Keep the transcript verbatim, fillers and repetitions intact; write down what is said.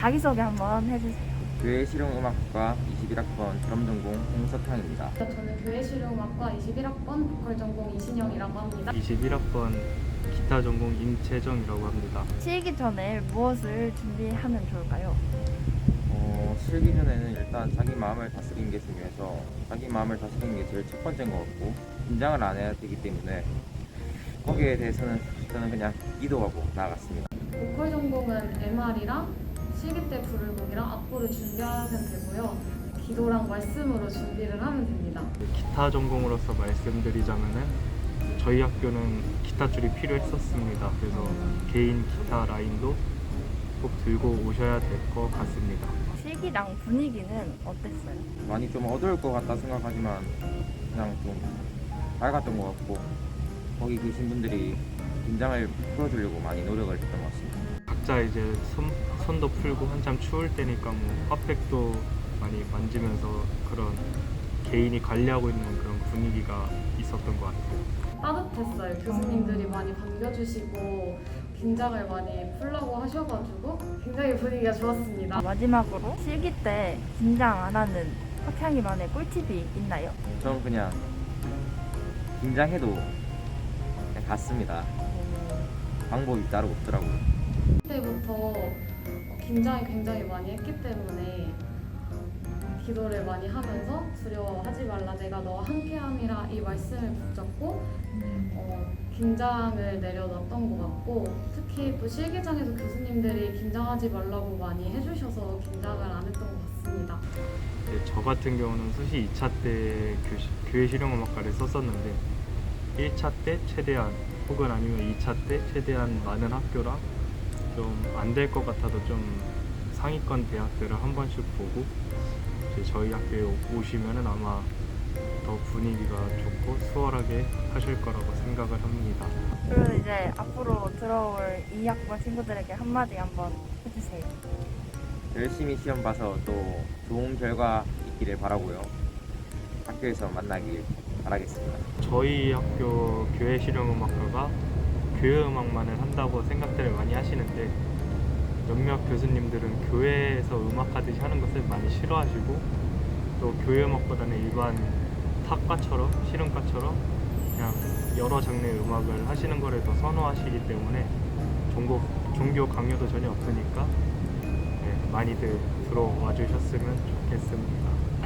자기소개 한번 해주세요. 교회 실용음악과 이십일 학번 드럼 전공 홍석향입니다. 저는 교회 실용음악과 이십일 학번 보컬 전공 이신영이라고 합니다. 이십일 학번 기타 전공 임채정이라고 합니다. 치기 전에 무엇을 준비하면 좋을까요? 어, 실기 전에는 일단 자기 마음을 다스리는 게 중요해서 자기 마음을 다스리는 게 제일 첫 번째인 것 같고 긴장을 안 해야 되기 때문에 거기에 대해서는 저는 그냥 기도하고 나아갔습니다. 보컬 전공은 엠알이랑 실기 때 부를 곡이랑 악보를 준비하면 되고요. 기도랑 말씀으로 준비를 하면 됩니다. 기타 전공으로서 말씀드리자면은 저희 학교는 기타 줄이 필요했었습니다. 그래서 개인 기타 라인도 꼭 들고 오셔야 될 것 같습니다. 실기랑 분위기는 어땠어요? 많이 좀 어두울 것 같다 생각하지만 그냥 좀 밝았던 것 같고 거기 계신 분들이 긴장을 풀어주려고 많이 노력을 했던 것 같습니다. 각자 이제 손, 손도 풀고 한참 추울 때니까 뭐 핫팩도 많이 만지면서 그런 개인이 관리하고 있는 그런 분위기가 있었던 것 같아요. 따뜻했어요. 교수님들이 많이 반겨주시고 긴장을 많이 풀라고 하셔가지고 굉장히 분위기가 좋았습니다. 마지막으로 실기 때 긴장 안 하는 석향이만의 꿀팁이 있나요? 저는 그냥 긴장해도 그냥 갔습니다. 방법이 따로 없더라고요. 그때부터 긴장이 굉장히 많이 했기 때문에 기도를 많이 하면서 두려워하지 말라 내가 너와 함께함이라 이 말씀을 붙잡고 어, 긴장을 내려놨던 것 같고 특히 또 실기장에서 교수님들이 긴장하지 말라고 많이 해주셔서 긴장을 안 했던 것 같습니다. 네, 저 같은 경우는 수시 이 차 때 교시, 교회 실용음악과를 썼었는데 일 차 때 최대한 혹은 아니면 이 차 때 최대한 많은 학교랑 좀 안 될 것 같아도 좀 상위권 대학들을 한 번씩 보고 이제 저희 학교에 오시면은 아마 더 분위기가 좋고 수월하게 하실 거라고 생각을 합니다. 그리고 이제 앞으로 들어올 이 학번 친구들에게 한마디 한번 해주세요. 열심히 시험 봐서 또 좋은 결과 있기를 바라고요. 학교에서 만나길 바라겠습니다. 저희 학교 교회 실용음악과가 교회 음악만을 한다고 생각들을 많이 하시는데 몇몇 교수님들은 교회에서 음악하듯이 하는 것을 많이 싫어하시고 또 교회 음악보다는 일반 탁과처럼 실음과처럼 그냥 여러 장르의 음악을 하시는 것을 더 선호하시기 때문에 종교, 종교 강요도 전혀 없으니까 네, 많이들 들어와 주셨으면 좋겠습니다.